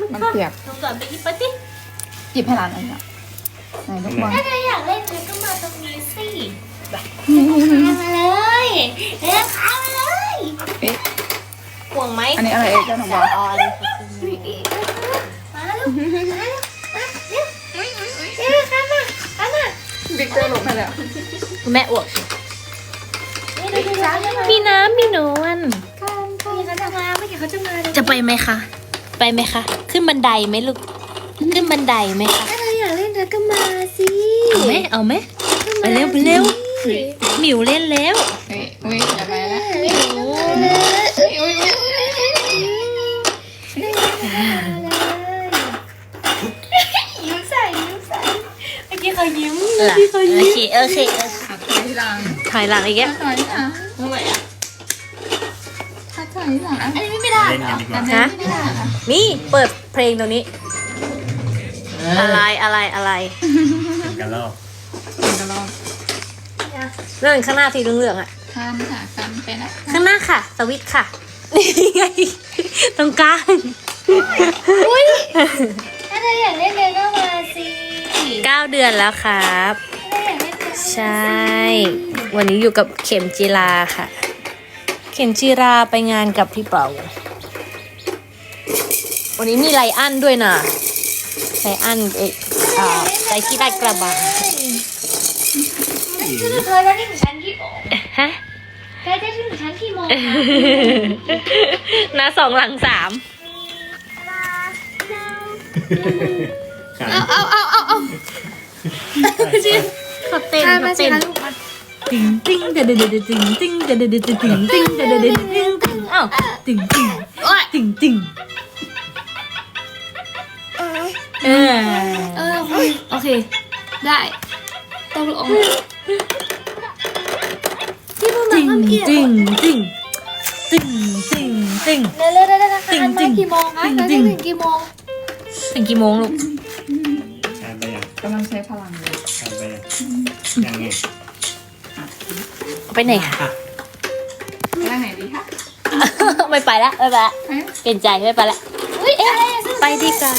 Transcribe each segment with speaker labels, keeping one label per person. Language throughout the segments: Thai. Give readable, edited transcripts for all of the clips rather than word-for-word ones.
Speaker 1: มันเปียก
Speaker 2: น้องก่อนไปหยิบไปสิ
Speaker 1: หยิบให้ร้านอันนี้ไหนลูกบอล
Speaker 2: ถ้าเธออยากเล่นเธอก็มาตรงนี้สิมาเลยเดินขามาเลย
Speaker 1: เอ๊ะ
Speaker 2: ห่วงไหม
Speaker 1: อันนี้อะไรเอ๊ะเจ้าหนูบอล
Speaker 2: อ๋อเลยมาลูกมาเร็วข้ามมาข้ามมา
Speaker 1: บิ๊กเตอร์ลงไปแล้ว
Speaker 2: คุณแม่อวกมีน้ำมีนวล
Speaker 1: นี่เขาจะมาเมื่อกี้เขาจะมา
Speaker 2: จะไปไหมคะไปไหมคะขึ้นบันไดไหมลูกขึ้นบันไดไหมคะ
Speaker 1: ถ้าเธออยากเล่นเธอก็มาสิ
Speaker 2: เอาไหมเอาไหมไปเร็วไปเร็วหมิวเล่นแล้ว
Speaker 1: เฮ้ยอุ้ยอย่าไปแล้ว
Speaker 2: หมิว
Speaker 1: อุ้ย
Speaker 2: ยิ้มใส่เมื่อกี้เขายิ้มโอเค
Speaker 1: ถอยหลัง
Speaker 2: ถอยหลังอีกแล้ว
Speaker 1: ถอยหลัง
Speaker 2: ทำไมอ่ะ
Speaker 1: ถอยหลังอันนี้
Speaker 2: ไม่ได้
Speaker 3: เล่นกันดีกว่า
Speaker 2: ฮะนี่เปิดเพลงตรงนี้ อะไร
Speaker 3: เป็นกันรอบ
Speaker 1: กระลอก
Speaker 2: นั่นข้างหน้าสีเหลืองๆอ่ะ
Speaker 1: คันค่ะคันไปนะ
Speaker 2: ข้างหน้าค่ะ สวิตช์ค่ะนี่ไงตรงกลาง
Speaker 4: ถ้าเธออยากเล่นเดินก็มาสิ
Speaker 2: 9 เดือนแล้วครับ
Speaker 4: ถ้าเธออยากเล่นเดิน
Speaker 2: ใช่ วันนี้อยู่กับเข็มจีราค่ะ เข็มจีราไปงานกับพี่เป๋าวันนี้มีไลอันด้วยนะไลอันไปที่ลาดกระบัง
Speaker 4: เธอจะถึงชั้นกี่โมง
Speaker 2: ฮะ
Speaker 4: เธอจะถึงชั้นกี่โมง
Speaker 2: นะ2 หลัง 3
Speaker 3: ขา
Speaker 1: เอา
Speaker 2: เขาเต้น
Speaker 1: มา
Speaker 2: เขา
Speaker 1: สิ
Speaker 2: เต้น
Speaker 1: คะลูกมา
Speaker 2: ติ้งติ้งเดเดเดติ้งติ้งเดเดเดติ้งติ้งเดเดเดติ้งติ้งอ้าวติ้งติ้งติ้งติ้งโอเค
Speaker 1: ได้ต้องลง
Speaker 4: ที่พูด
Speaker 2: ติ้
Speaker 4: มาง เมื่อกี้
Speaker 2: ติ้งติ้งติ้งติ้งติ้ง
Speaker 4: เร็วๆนะคะอันมากี่โมงคะเธอจะถึงกี่โมง
Speaker 2: ถึงกี่โมงลูก
Speaker 3: ชาร์จไปยัง
Speaker 1: กำลังใช้พลังเลย
Speaker 3: ชาร์จไปยังไง
Speaker 2: ไปไหนคะ
Speaker 1: ไปไหนดีคะ
Speaker 2: ไม่ไปละเปลี่ยนใจไม่ไปละ
Speaker 4: อุ้ยอะไรอะ
Speaker 2: ไปดีกว่า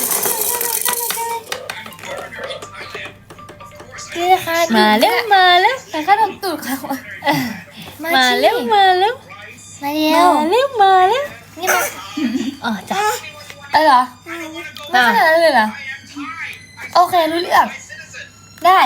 Speaker 4: นี่นะคะ
Speaker 2: มาเร็ว
Speaker 4: แต่ขนมตูดค่ะ
Speaker 2: มาเร็ว
Speaker 4: มาเร็ว
Speaker 2: มาเร็ว
Speaker 4: นี่มา
Speaker 2: อ๋อจ้ะ
Speaker 4: เหรอไม่ขนาดนั้นเลยเหรอโอเครู้เรื่องได้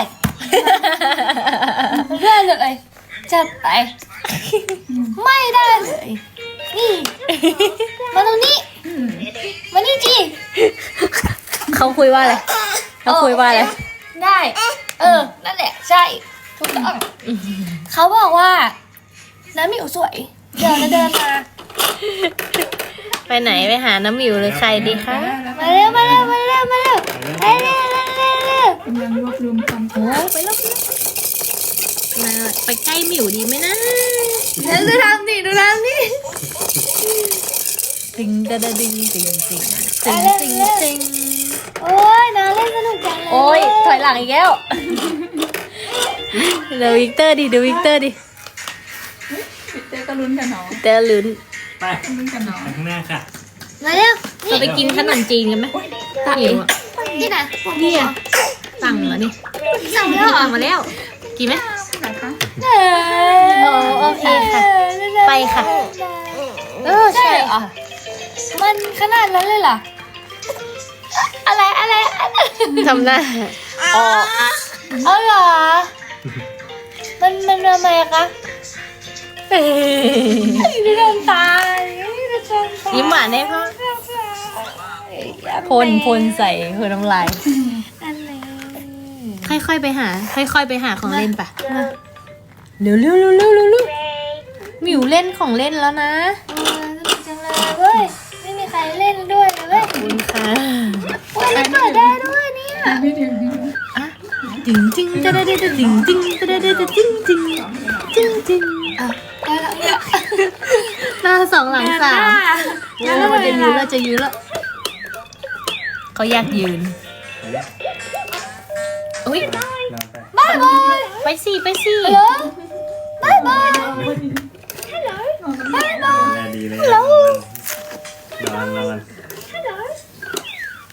Speaker 4: เลยจัดไปไม่ได้เลยนี่มาตรงนี้มานี่จี
Speaker 2: เขาคุยว่าอะไรเขาคุยว่าอะไร
Speaker 4: ได้นั่นแหละใช่ถูกต้องเขาบอกว่าน้ำหมิวสวยเดี๋ยวจะเดินมา
Speaker 2: ไปไหนไปหาน้ำหมิวหรือใครดีคะ
Speaker 4: มาเร็วไปเร็วไปเร็วไปเร็ว
Speaker 1: กำลังรวบรวมความ
Speaker 2: โอ้ไปแล้วมาไปใกล้หมิวดีไหมนะ
Speaker 4: ดูทำดิดูทำดิ
Speaker 2: ติงดะดะดิงติงติงติงติงติง
Speaker 4: โอ้ยน้าเล่นสนุกจังเลย
Speaker 2: โอ้ยถอยหลังอีกแล้วดูวิกเตอร์ดิดูวิกเตอร์ดิ
Speaker 1: เต้ก็ลุ้นกันเนาะ
Speaker 2: เตอร์ลุ้น
Speaker 3: ไป
Speaker 1: ลุ้นกันเนาะ
Speaker 3: ข้างหน้าค่ะ
Speaker 4: มาเร็ว
Speaker 2: เราไปกินขนมจีนกันไหมหมิวอะ
Speaker 4: นี่นะ
Speaker 2: นี่อะสั่งแล้วนี่
Speaker 4: สั่งแล้วเหรอ
Speaker 2: สั่งมาแล้วกินไหม
Speaker 1: ไหนคะ
Speaker 2: โอเคค่ะ ไปค่ะ
Speaker 4: ใช่เหรอมันขนาดนั้นเลยเหรออะไร
Speaker 2: ทำหน้าออก
Speaker 4: เอาเหรอมันทำไมคะดูน้ำตา
Speaker 2: ยิ้มหวานได้พ่อพลใส่คือน้ำลาย
Speaker 4: อะไร
Speaker 2: ค่อยๆไปหาของเล่นปะเร็วหมิวเล่นของเล่นแล้วนะ
Speaker 4: สนุกจังเลยเว้ยไม่มีใครเล่นด้วยเลยเว้ย
Speaker 2: ขอบคุณค่ะ
Speaker 4: เว้ยเปิดได้ด้วยเนี่ย
Speaker 1: ไม่ถึง
Speaker 2: จริงจริงจะได้จริงจริงจะได้จริงจริงจริงจริง
Speaker 4: ได้แล้วเนี่ย
Speaker 2: หน้า2 หลัง 3แล้วมันจะยืนแล้วเขาอยากยืนอุ้ย
Speaker 3: นอนไป
Speaker 4: บายบาย
Speaker 2: ไปสิ
Speaker 4: ฮัลโหลบายบาย
Speaker 3: ดูแลดีเลยนอน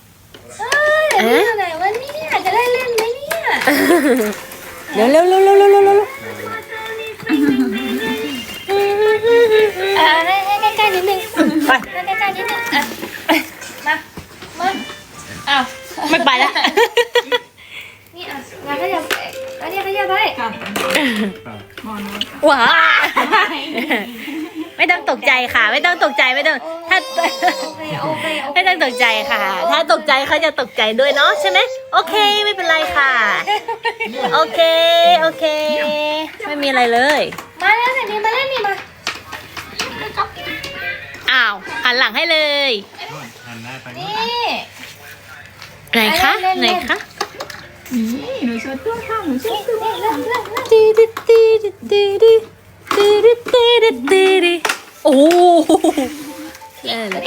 Speaker 4: อยู่ไหนวะเนี่ยจะได้เล่นไหมเนี่ย
Speaker 2: เร็วเร็วเร็วเร็วเร็วเร็วเร็ว
Speaker 4: ให้ใกล้ๆนิดนึง
Speaker 2: ไป
Speaker 4: ให้ใกล้ๆนิดนึงอ่ะมาอ้าว
Speaker 2: ไม่ไปแล้ว
Speaker 4: นี่อ่ะมาขยับอันนี้ขยับไป
Speaker 1: กัดมอนอน
Speaker 2: ว้าไม่ต้องตกใจค่ะ ไม่ต้องตกใจไม่ต้องถ้า
Speaker 4: โอเคโอเค
Speaker 2: ไม่ต้องตกใจค่ะ ถ้าตกใจเขาจะตกใจด้วยเนาะใช่ไหมโอเคไม่เป็นไรค่ะ โอเคโอเค ไม่มีอะไรเลย
Speaker 4: มาแล้วไหนดีมาเล่นนี่มา
Speaker 2: อ้าวหันหลังให้เลย
Speaker 3: หันหน้าไป
Speaker 4: นี่
Speaker 2: ไหนคะไหนคะ
Speaker 1: นี่หนูชดตัวค่ะหนูชดตัว
Speaker 4: เล่น
Speaker 2: ตีดิตีดิตีดิตีดิตีดิตีดิโอ้เล่นเลย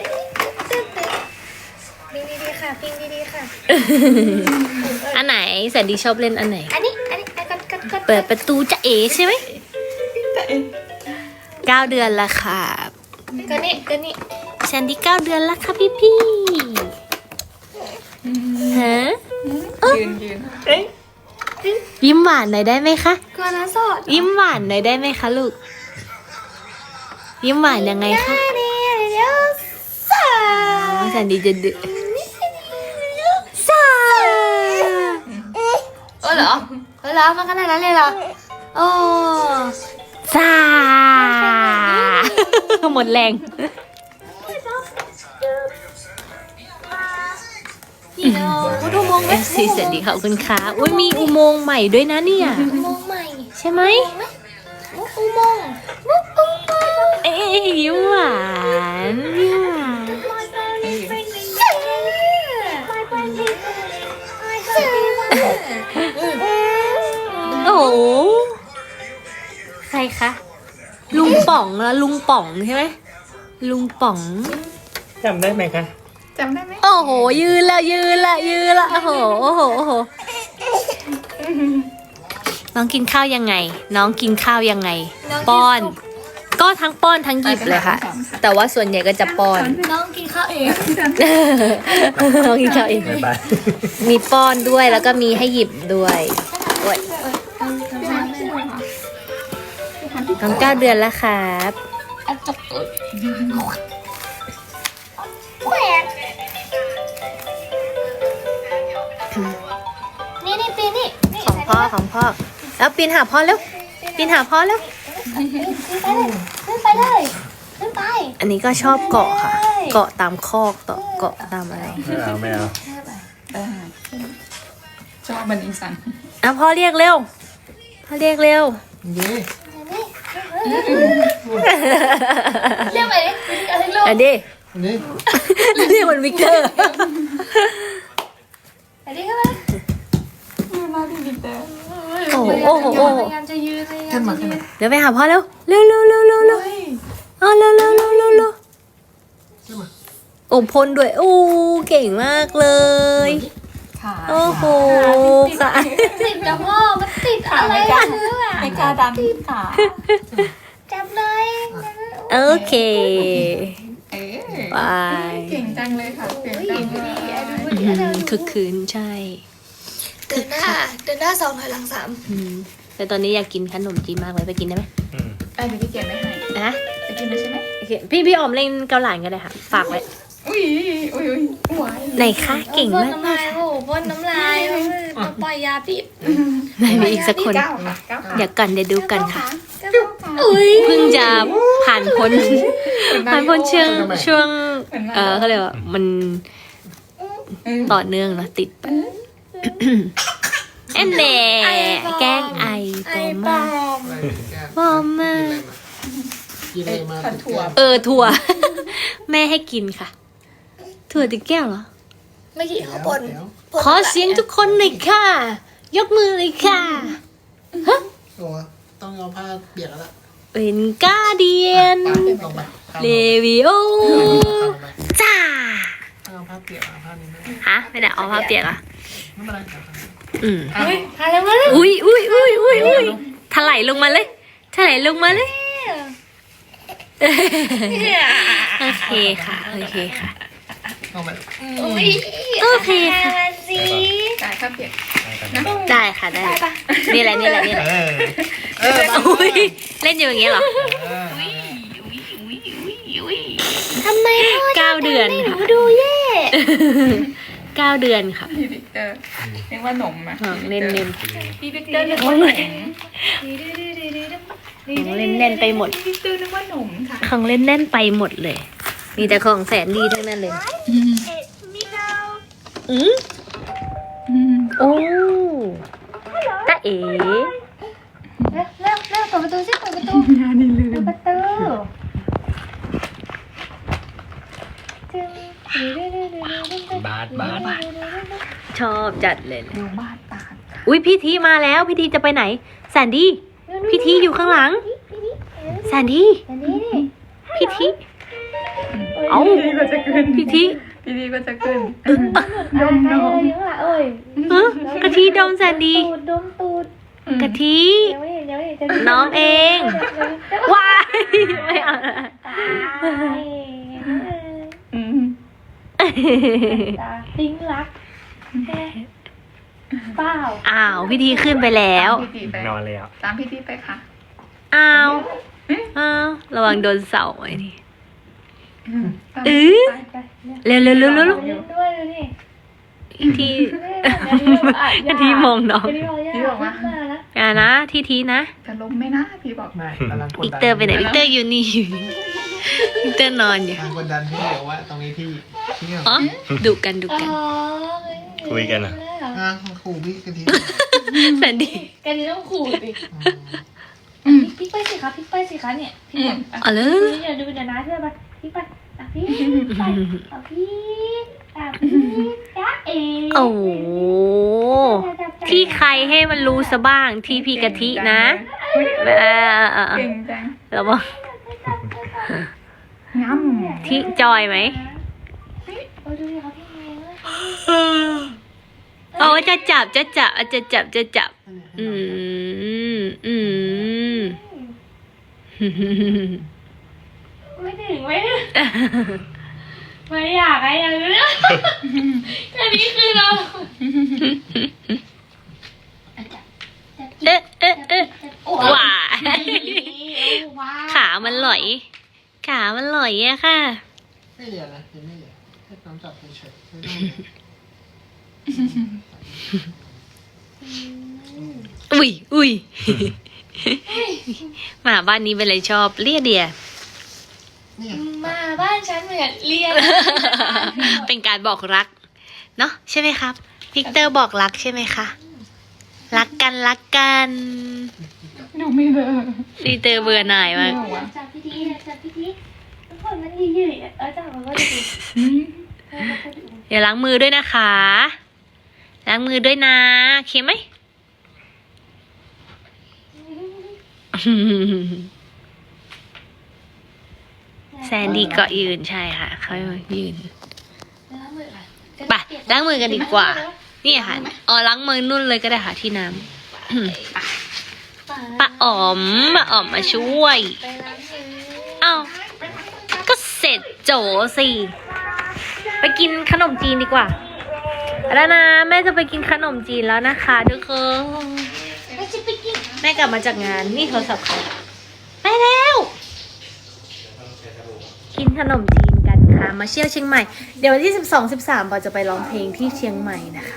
Speaker 4: ปิงดีๆค่ะปิงดีๆค่ะ
Speaker 2: อันไหนแสนดีชอบเล่นอันไหน
Speaker 4: อันนี้กด
Speaker 2: เปิดประตูจะเอ๋ใช่ไหม
Speaker 1: แต่เอง
Speaker 2: 9 เดือนละค่ะ
Speaker 4: ก็นี่
Speaker 2: แซนดี้9 เดือนละค่ะพี่ฮะ
Speaker 1: ยืน
Speaker 2: ยิ้มหวานหน่อยได้ไหมคะ
Speaker 4: ก็นะสด
Speaker 2: ยิ้มหวานหน่อยได้ไหมคะลูก ยิ้มหวานยังไงคะ
Speaker 4: เดี๋ยวสา
Speaker 2: อ๋อแซนดี้จะดื้อซา
Speaker 4: เหรอมันขนาดนั้นเลยเหรอโอ้
Speaker 2: ซาหมดแรง
Speaker 4: นี่เนาะดูมองไหม
Speaker 2: สีแสนดีขอบคุณค่ะอุ้ยมีอุโมงค์ใหม่ด้วยนะเนี่ย
Speaker 4: มองใหม่
Speaker 2: ใช่ไหม
Speaker 4: อุโมงค์อุโมงค์
Speaker 2: เอ้ยยิ้มหวานยิ้มหวาน โอ้โหใครคะ ลุงป๋องละลุงป๋องใช่ไหมลุงป๋อง
Speaker 3: จำได้ไหมคะ
Speaker 1: จำได้ไหม
Speaker 2: โอ้โห ยืนละโอ้โหโอ้โหโอ้โหน้องกินข้าวยังไง น้องกินข้าวยังไง ป้อน ก็ทั้งป้อนทั้งหยิบเลยค่ะ แต่ว่าส่วนใหญ่ก็จะป้อน
Speaker 4: น้องกินข้าวเอง
Speaker 2: น้องกินข้าวเอง
Speaker 3: บ๊ายบาย
Speaker 2: มีป้อนด้วยแล้วก็มีให้หยิบด้วยโอ้ยน้อง9 เดือนแล้วครับ
Speaker 4: อันจบแขวกนี่ปีนี่
Speaker 2: ของพ่อแล้วปีนหาพ่อแล้วปีนหาพ่อแล้ว
Speaker 4: ขึ้นไปเลยขึ้นไป
Speaker 2: อันนี้ก็ชอบเกาะค่ะ เกาะตามคอกเกาะตามอะไร
Speaker 3: ไม่เอา
Speaker 1: ชอบบันอีสัน
Speaker 2: อ่ะพ่อเรียกเร็วพ่อเรียกเร็ว
Speaker 4: เรียกไปดิอะไรลูก
Speaker 2: อันนี้เรียกเหมือนวิกเตอร์
Speaker 4: อันนี้เข้ามา
Speaker 1: มาพี่บิ๊กเตอร์
Speaker 2: โอ้โหโอ้โห
Speaker 4: พยายามจะยืน
Speaker 2: เดี๋ยวไปหาพ่อเร็วเร็วเอาเร็วโอ้พ่นด้วยโอ้เก่งมากเลย
Speaker 1: ขา
Speaker 2: โอ้โหค่ะ
Speaker 4: ติดกับพ่อมันติดอะไรกันอ่ะ
Speaker 1: ไม่กล้าดันขา
Speaker 4: จับเลย
Speaker 2: โอเค
Speaker 1: เอ๊ะ
Speaker 2: บาย
Speaker 1: เก่งจังเลยค่ะเก่งจังเลย
Speaker 2: คือคืนใช่
Speaker 4: เดินหน้า2ถอยหลัง3
Speaker 2: อืมแต่ตอนนี้อยากกินขนมจีนมากเลยไปกินได้ไหม
Speaker 1: เดี๋ยวพี่เกียรไม่ให้
Speaker 2: นะ
Speaker 1: จะกินได้ใช่ไหม
Speaker 2: โอเคพี่ออมเล่นเกาหลานกันเลยค่ะ ฝากไว้
Speaker 1: อุ้ยหวาน
Speaker 2: ไหนคะเก่งมากมากค่ะ
Speaker 4: โอ้พ่นน้ำลายมาปล่อยยาพิษ
Speaker 2: ไหนมีอีกสักคน
Speaker 1: 9 ค่ะ 9
Speaker 2: เดี๋ยวกันเดี๋ยวดูกันค่ะ
Speaker 4: อุ้ย
Speaker 2: เพิ่งจะผ่านพ้นช่วงเขาเรียกว่ามันต่อเนื่องนะติดไปแอนแหน่แกล้งไอปอมมาก
Speaker 5: กินอะไรมา
Speaker 1: ผัดถั่ว
Speaker 2: ถั่ว แม่ให้กินค่ะ ถั่วติดแก้วเหรอ
Speaker 4: ไม่กี่เขาบน
Speaker 2: ขอเสียงทุกคนหน่อยค่ะ ยกมือเลยค่ะ
Speaker 5: โอ้ต้องเอาผ้าเปียกแล้วล่ะ
Speaker 2: เป็นกาเดียน
Speaker 5: ลงไป
Speaker 2: เลวิโอจ้า
Speaker 5: เอาผ้าเปียกเอาผ้านี้ไม่
Speaker 2: ฮะไม่ได้เอาผ้าเปียกอ่ะ
Speaker 5: เป็นไรครับ
Speaker 4: ทานแล้วมั้ย
Speaker 2: อุ้ยถลายลงมาเลยโอเคค่ะ
Speaker 5: เอาไป
Speaker 2: โอเคค่ะ
Speaker 4: มาสิ
Speaker 1: จ่ายค่าเปียก
Speaker 2: ได้ค่ะได้นี่แหละนี่แหละนี่แหละ อุ้ยเล่นอยู่อย่างเงี้ยเหรอ
Speaker 4: ทำไมพ่อ
Speaker 2: 9 เดือน
Speaker 4: หนู
Speaker 2: ค่ะ
Speaker 4: ดูแย่
Speaker 2: 9 เดือนค่ะ
Speaker 1: พี่วิกเตอร์เรียกว่าหนมอะ
Speaker 2: ของเล่นเล่น
Speaker 1: พี่วิกเตอร์นึกว่าหนม
Speaker 2: ของเล่นแน่นไปหมด
Speaker 1: พี่วิกเตอร์นึกว่าหนมค่ะ
Speaker 2: ของเล่นแน่นไปหมดเลย มีแต่ของแสนดีทั้งนั้นเลยอืมโอ้ตาเอ๋
Speaker 4: เร็วเปิดประตูสิเปิดประตู
Speaker 1: งานนี่ลื
Speaker 4: เปิ
Speaker 1: ม
Speaker 4: ดประตูจึง
Speaker 3: บาสบาส
Speaker 2: ชอบจัดเลย
Speaker 1: ดูบ้านตาล
Speaker 2: อุ้ยพี่ทีมาแล้วพี่ทีจะไปไหนแสนดี้พี่ทีอยู่ข้างหลังแสนดี้
Speaker 4: อันนี้นี่
Speaker 2: พี่ทีเอ้า
Speaker 1: พี่ก็จะขึ้น
Speaker 2: พี่ที
Speaker 1: พี่ก็จะขึ้น
Speaker 4: ดมดมอยู่ข้างหลังเอ้ย
Speaker 2: ฮะกะทิดมแสนดี
Speaker 4: ตูดดมตูด
Speaker 2: กะทิ
Speaker 4: ยังไม่เห็นจะ
Speaker 2: น้องเองว้ายไม่เอา
Speaker 4: ตาย
Speaker 1: อืม
Speaker 4: ตาทิ้งรักเปล่า
Speaker 2: อ้าวพี่ทีขึ้นไปแล้ว
Speaker 1: พี่ตีไป
Speaker 3: นอนแล้ว
Speaker 1: ตามพี่ตีไปค่ะ
Speaker 2: อ้าวอ้าวระวังโดนเสาไอ้นี่
Speaker 1: ตาม
Speaker 2: เออ
Speaker 1: ไป
Speaker 4: ไป
Speaker 2: เร็วเร็วเร็วเร็ว
Speaker 4: เล่นด้วยดูนี่
Speaker 2: พี่ทีกะทิมองน้อง
Speaker 4: พี่บอกว่ามาแล้ว
Speaker 2: อย่านะทีทีนะ
Speaker 1: จะล้มไหมนะพี่บอก
Speaker 5: ไม่กำลังกด
Speaker 2: วิก
Speaker 5: ดัน
Speaker 2: เตอร์ไปไหนวิกเตอร์อยู่นี่อยู่นี่วิกเตอร์นอนอยู่
Speaker 5: กำลังกดดันพี่เดี๋ยวว่าตรงนี้ที่เนี่ย
Speaker 2: อ๋อดุกันดุกัน
Speaker 3: คุยกันเหรอ
Speaker 5: อ่ะขู่พี่กะทิ
Speaker 2: แสนดี
Speaker 4: กันนี้ต้องขู่สิพี่ไปสิคะพี่ไปสิคะเนี่ยพี่บอก
Speaker 2: อ๋อเลย
Speaker 4: พี่เดี๋ยวดูเดี๋ยวนะเชื่อไปพี่ไปพี่ไปพี่จ้าเอ๋
Speaker 2: โอ้โหที่ใครให้มันรู้ซะบ้างที่พี่กะทินะเออ
Speaker 1: เก่งจัง
Speaker 2: แล้วบอก
Speaker 1: งั้ม
Speaker 2: ที่จอยไหม
Speaker 4: โอ้ดูดิเขาพี่เมย์
Speaker 2: เอาจะจับจะจับจะจับจะจับอืม
Speaker 4: ไม่ถึงไม่อยากอะไรอย่างนี้อันนี้คือเรา
Speaker 2: ว้าขามันหลอยขามันหลอยอะค่ะ
Speaker 5: ไม่เหลือนะยังไม่เหลือแค่น้ำจับเฉยๆไม่ต้อง
Speaker 2: อุ้ยหมาบ้านนี้เป็นอะไรชอบเลียเดีย
Speaker 5: เนี่ย
Speaker 4: มาบ้านฉันเหมือนเรียน
Speaker 2: เป็นการบอกรักเนาะใช่ไหมครับวิกเตอร์บอกรักใช่ไหมคะรักกัน
Speaker 1: ดูไม่เลย
Speaker 2: วิกเตอร์เบื่อหน่ายมาก
Speaker 4: จับพี่ทีทุกคนมันยืดๆจับมันก็ดู
Speaker 2: เดี๋ยวล้างมือด้วยนะคะล้างมือด้วยนะโอเคไหม แซนดี้ก็ยืนใช่ค่ะเขายืนไปล้างมือกันดีกว่านี่ค่ะอ๋อล้างมือนุ่นเลยก็ได้ค่ะที่น้ำป้าอ๋อมมาช่วยเอ้าก็เสร็จโจสิไปกินขนมจีนดีกว่าแล้วนะแม่จะไปกินขนมจีนแล้วนะคะทุกคนแม่กลับมาจากงานนี่โทรศัพท์เขาไปแล้วกินขนมจีนกันค่ะมาเที่ยวเชียงใหม่เดี๋ยววันที่12-13ปอจะไปร้องเพลงที่เชียงใหม่นะคะ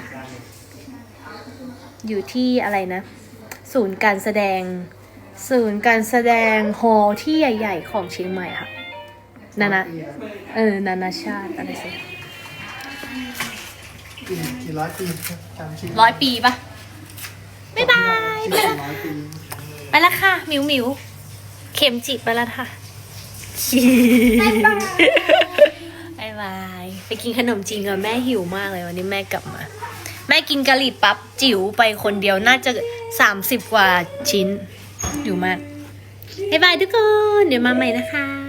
Speaker 2: อยู่ที่อะไรนะศูนย์การแสดงฮอลล์ที่ใหญ่ๆของเชียงใหม่ค่ะนานาชาติอะไรสิ
Speaker 5: กี่ร้อยปีจำชื่อ
Speaker 2: 100 ปีปะบ๊ายบาย
Speaker 5: 100 ปี
Speaker 2: ไปแล้วค่ะหมิวเข็มจิไปแล้วค่ะบ๊ายบายไปกินขนมจีนกับแม่หิวมากเลยวันนี้แม่กลับมาแม่กินกะหรี่ปั๊บจิ๋วไปคนเดียวน่าจะ30 กว่าชิ้นอยู่มากบ๊ายบายทุกคนเดี๋ยวมาใหม่นะคะ